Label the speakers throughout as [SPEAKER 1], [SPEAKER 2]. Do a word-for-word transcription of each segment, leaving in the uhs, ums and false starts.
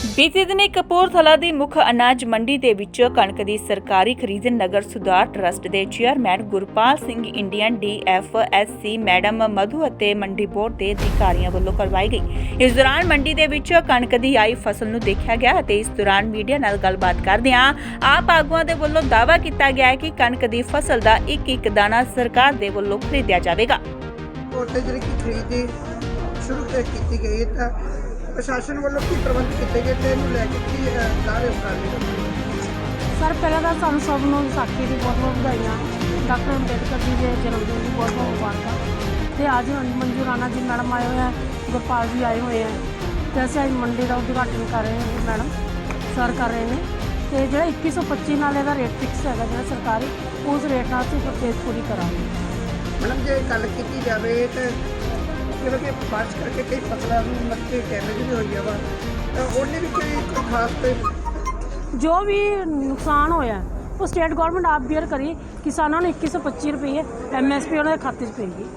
[SPEAKER 1] ਬੀਤੇ ਦਿਨੀ ਕਪੂਰਥਲਾ ਦੀ ਮੁੱਖ ਅਨਾਜ ਮੰਡੀ ਦੇ ਵਿੱਚ ਕਣਕ ਦੀ ਸਰਕਾਰੀ ਖਰੀਦ ਨਗਰ ਸੁਧਾਰ ਟਰੱਸਟ ਦੇ chairman Gurpal Singh, Indian D F S C madam Madhu ਅਤੇ ਮੰਡੀ ਬੋਰਡ ਦੇ ਅਧਿਕਾਰੀਆਂ ਵੱਲੋਂ ਕਰਵਾਈ ਗਈ। ਇਸ ਦੌਰਾਨ ਮੰਡੀ ਦੇ ਵਿੱਚ ਕਣਕ ਦੀ ਆਈ ਫਸਲ ਨੂੰ ਦੇਖਿਆ ਗਿਆ ਅਤੇ ਇਸ ਦੌਰਾਨ ਮੀਡੀਆ ਨਾਲ ਗੱਲਬਾਤ ਕਰਦਿਆਂ ਆਪ ਆਗੂਆਂ ਦੇ ਵੱਲੋਂ ਦਾਅਵਾ ਕੀਤਾ ਗਿਆ ਹੈ ਕਿ ਕਣਕ ਦੀ ਫਸਲ ਦਾ ਇੱਕ ਇੱਕ ਦਾਣਾ ਸਰਕਾਰ ਦੇ ਵੱਲੋਂ ਖਰੀਦਿਆ ਜਾਵੇਗਾ।
[SPEAKER 2] ਕੋਟੇ ਜਿਹੜੀ ਖਰੀਦੀ ਸ਼ੁਰੂ ਕੀਤੀ ਗਈ ਹੈ ਤਾਂ ਪ੍ਰਸ਼ਾਸਨ ਵੱਲੋਂ ਕੀ ਪ੍ਰਬੰਧ ਕੀਤੇ ਗਏ ਤੇ ਇਹਨੂੰ ਲੈ ਕੇ ਕੀ ਦਾਅਵੇ ਉਤਾਰੇ?
[SPEAKER 3] ਸਰ ਪਹਿਲਾਂ ਤਾਂ ਸਾਨੂੰ ਸਭ ਨੂੰ ਵਿਸਾਖੀ ਦੀ ਬਹੁਤ ਬਹੁਤ ਵਧਾਈਆਂ। ਡਾਕਟਰ ਅੰਬੇਡਕਰ ਜੀ ਦੇ ਜਨਮ ਦਿਨ ਦੀ ਬਹੁਤ ਬਹੁਤ ਮੁਬਾਰਕਾਂ। ਤੇ ਅੱਜ ਮੰਜੂ ਰਾਣਾ ਜੀ ਮੈਡਮ ਆਏ ਹੋਏ ਆ, ਗੁਰਪਾਲ ਜੀ ਆਏ ਹੋਏ ਆ ਤੇ ਅਸੀਂ ਅੱਜ ਮੰਡੀ ਦਾ ਉਦਘਾਟਨ ਕਰ ਰਹੇ ਹਾਂ। ਮੈਡਮ ਸਰ ਕਰ ਰਹੇ ਨੇ ਤੇ ਜਿਹੜਾ ਇੱਕੀ ਸੌ ਪੱਚੀ ਨਾਲ ਇਹਦਾ ਰੇਟ ਫਿਕਸ ਹੈਗਾ ਜਿਹੜਾ ਸਰਕਾਰੀ, ਉਸ ਰੇਟ ਨਾਲ ਅਸੀਂ ਪਰਚੇਜ਼ ਪੂਰੀ ਕਰਾਂਗੇ।
[SPEAKER 2] ਮੈਡਮ ਜੇ ਗੱਲ ਕੀਤੀ ਜਾਵੇ ਤਾਂ ਜਿਵੇਂ ਕਿ ਬਾਰਿਸ਼ ਕਰਕੇ ਕਈ ਫਸਲਾਂ ਨੂੰ ਮੱਕੇ ਡੈਮੇਜ ਵੀ ਹੋਈ ਆ ਵਾ ਤਾਂ ਉਹਨੇ ਵੀ ਕੋਈ ਕੋਈ ਖਾਸ ਤੇ
[SPEAKER 3] ਜੋ ਵੀ ਨੁਕਸਾਨ ਹੋਇਆ ਉਹ ਸਟੇਟ ਗਵਰਨਮੈਂਟ ਆਪ ਬੀਅਰ ਕਰੀ, ਕਿਸਾਨਾਂ ਨੂੰ ਇੱਕੀ ਸੌ ਪੱਚੀ ਰੁਪਏ ਐਮ ਐਸ ਪੀ ਉਹਨਾਂ ਦੇ ਖਾਤੇ 'ਚ ਪਏਗੀ।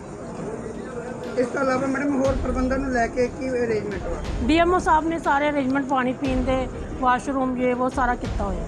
[SPEAKER 2] ਇਸ ਤੋਂ ਇਲਾਵਾ ਮੈਡਮ ਹੋਰ ਪ੍ਰਬੰਧਾਂ ਨੂੰ ਲੈ ਕੇ ਕੀ ਅਰੇਂਜਮੈਂਟ ਵਾ?
[SPEAKER 3] ਡੀ ਐਮ ਓ ਸਾਹਿਬ ਨੇ ਸਾਰੇ ਅਰੇਂਜਮੈਂਟ ਪਾਣੀ ਪੀਣ ਦੇ, ਵਾਸ਼ਰੂਮ ਜੇ ਉਹ ਸਾਰਾ ਕੀਤਾ ਹੋਇਆ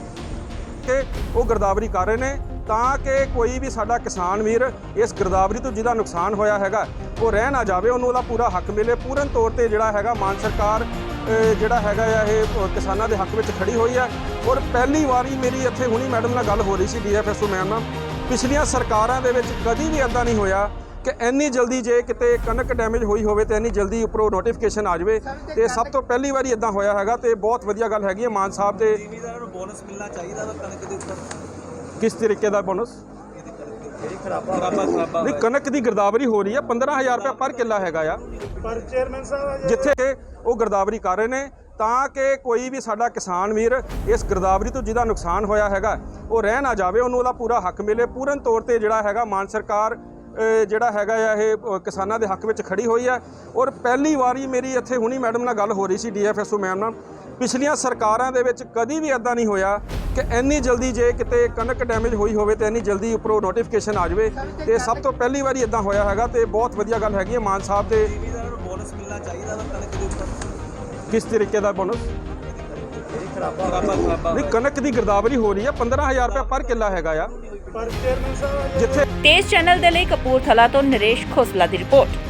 [SPEAKER 4] ਕਿ ਉਹ ਗਿਰਦਾਵਰੀ ਕਰ ਰਹੇ ਨੇ ਤਾਂ ਕਿ ਕੋਈ ਵੀ ਸਾਡਾ ਕਿਸਾਨ ਵੀਰ ਇਸ ਗਿਰਦਾਵਰੀ ਤੋਂ ਜਿਹਦਾ ਨੁਕਸਾਨ ਹੋਇਆ ਹੈਗਾ ਉਹ ਰਹਿ ਨਾ ਜਾਵੇ, ਉਹਨੂੰ ਉਹਦਾ ਪੂਰਾ ਹੱਕ ਮਿਲੇ। ਪੂਰਨ ਤੌਰ ਤੇ ਜਿਹੜਾ ਹੈਗਾ ਮਾਨ ਸਰਕਾਰ ਜਿਹੜਾ ਹੈਗਾ ਆ ਇਹ ਕਿਸਾਨਾਂ ਦੇ ਹੱਕ ਵਿੱਚ ਖੜੀ ਹੋਈ ਹੈ। ਔਰ ਪਹਿਲੀ ਵਾਰੀ ਮੇਰੀ ਇੱਥੇ ਹੁਣੀ ਮੈਡਮ ਨਾਲ ਗੱਲ ਹੋ ਰਹੀ ਸੀ D F S O ma'am ਨਾਲ, ਪਿਛਲੀਆਂ ਸਰਕਾਰਾਂ ਦੇ ਵਿੱਚ ਕਦੀ ਵੀ ਇੱਦਾਂ ਨਹੀਂ ਹੋਇਆ ਕਿ ਇੰਨੀ ਜਲਦੀ ਜੇ ਕਿਤੇ ਕਣਕ ਡੈਮੇਜ ਹੋਈ ਹੋਵੇ ਤੇ ਇੰਨੀ ਜਲਦੀ ਉੱਪਰੋਂ ਨੋਟੀਫਿਕੇਸ਼ਨ ਆ ਜਾਵੇ ਤੇ ਸਭ ਤੋਂ ਪਹਿਲੀ ਵਾਰੀ ਇੱਦਾਂ ਹੋਇਆ ਹੈਗਾ ਤੇ ਬਹੁਤ ਵਧੀਆ ਗੱਲ ਹੈਗੀ ਹੈ। ਮਾਨ ਸਾਹਿਬ ਦੇ
[SPEAKER 5] ਜ਼ਿਮੀਂਦਾਰਾਂ ਨੂੰ ਬੋਨਸ ਮਿਲਣਾ ਚਾਹੀਦਾ ਵਾ ਕਣਕ ਦੇ ਉੱਪਰ।
[SPEAKER 4] ਕਿਸ ਤਰੀਕੇ ਦਾ ਬੋਨਸ?
[SPEAKER 5] ਜਿਹੜੀ ਖਰਾਬਾ ਖਰਾਬਾ ਖਰਾਬਾ
[SPEAKER 4] ਨਹੀਂ, ਕਣਕ ਦੀ ਗਿਰਦਾਵਰੀ ਹੋ ਰਹੀ ਹੈ, ਪੰਦਰਾਂ ਹਜ਼ਾਰ ਰੁਪਏ ਪਰ ਕਿੱਲਾ ਹੈਗਾ ਆ।
[SPEAKER 5] ਪਰ ਚੇਅਰਮੈਨ ਸਾਹਿਬ
[SPEAKER 4] ਜਿੱਥੇ ਕਿ ਉਹ ਗਿਰਦਾਵਰੀ ਕਰ ਰਹੇ ਨੇ ਤਾਂ ਕਿ ਕੋਈ ਵੀ ਸਾਡਾ ਕਿਸਾਨ ਵੀਰ ਇਸ ਗਿਰਦਾਵਰੀ ਤੋਂ ਜਿਹਦਾ ਨੁਕਸਾਨ ਹੋਇਆ ਹੈਗਾ ਉਹ ਰਹਿ ਨਾ ਜਾਵੇ, ਉਹਨੂੰ ਉਹਦਾ ਪੂਰਾ ਹੱਕ ਮਿਲੇ। ਪੂਰਨ ਤੌਰ ਤੇ ਜਿਹੜਾ ਹੈਗਾ ਮਾਨ ਸਰਕਾਰ ਜਿਹੜਾ ਹੈਗਾ ਆ ਇਹ ਕਿਸਾਨਾਂ ਦੇ ਹੱਕ ਵਿੱਚ ਖੜੀ ਹੋਈ ਹੈ। ਔਰ ਪਹਿਲੀ ਵਾਰੀ ਮੇਰੀ ਇੱਥੇ ਹੁਣੀ ਮੈਡਮ ਨਾਲ ਗੱਲ ਹੋ ਰਹੀ ਸੀ D F S O ma'am ਨਾਲ, ਪਿਛਲੀਆਂ ਸਰਕਾਰਾਂ ਦੇ ਵਿੱਚ ਕਦੀ ਵੀ ਇੱਦਾਂ ਨਹੀਂ ਹੋਇਆ ਕਿ ਇੰਨੀ ਜਲਦੀ ਜੇ ਕਿਤੇ ਕਣਕ ਡੈਮੇਜ ਹੋਈ ਹੋਵੇ ਤੇ ਇੰਨੀ ਜਲਦੀ ਉੱਪਰੋਂ ਨੋਟੀਫਿਕੇਸ਼ਨ ਆ ਜਾਵੇ ਤੇ ਸਭ ਤੋਂ ਪਹਿਲੀ ਵਾਰੀ ਇੱਦਾਂ ਹੋਇਆ ਹੈਗਾ ਤੇ ਬਹੁਤ ਵਧੀਆ ਗੱਲ ਹੈਗੀ ਹੈ। ਮਾਨ ਸਾਹਿਬ ਦੇ
[SPEAKER 5] ਜ਼ਿਮੀਂਦਾਰਾਂ ਨੂੰ ਬੋਨਸ ਮਿਲਣਾ ਚਾਹੀਦਾ ਵਾ ਕਣਕ ਦੇ ਉੱਪਰ।
[SPEAKER 4] ਕਿਸ ਤਰੀਕੇ ਦਾ ਬੋਨਸ?
[SPEAKER 5] ਜਿਹੜੀ ਖਰਾਬਾ ਖਰਾਬਾ ਖਰਾਬਾ
[SPEAKER 4] ਨਹੀਂ, ਕਣਕ ਦੀ ਗਿਰਦਾਵਰੀ ਹੋ ਰਹੀ ਹੈ, ਪੰਦਰਾਂ ਹਜ਼ਾਰ ਰੁਪਏ ਪਰ ਕਿੱਲਾ ਹੈਗਾ ਆ।
[SPEAKER 5] ਪਰ ਚੇਅਰਮੈਨ ਸਾਹਿਬ
[SPEAKER 4] ਜਿੱਥੇ
[SPEAKER 1] ਤੇਜ਼ ਚੈਨਲ ਦੇ ਲਈ ਕਪੂਰਥਲਾ ਤੋਂ ਨਰੇਸ਼ ਖੋਸਲਾ ਦੀ ਰਿਪੋਰਟ।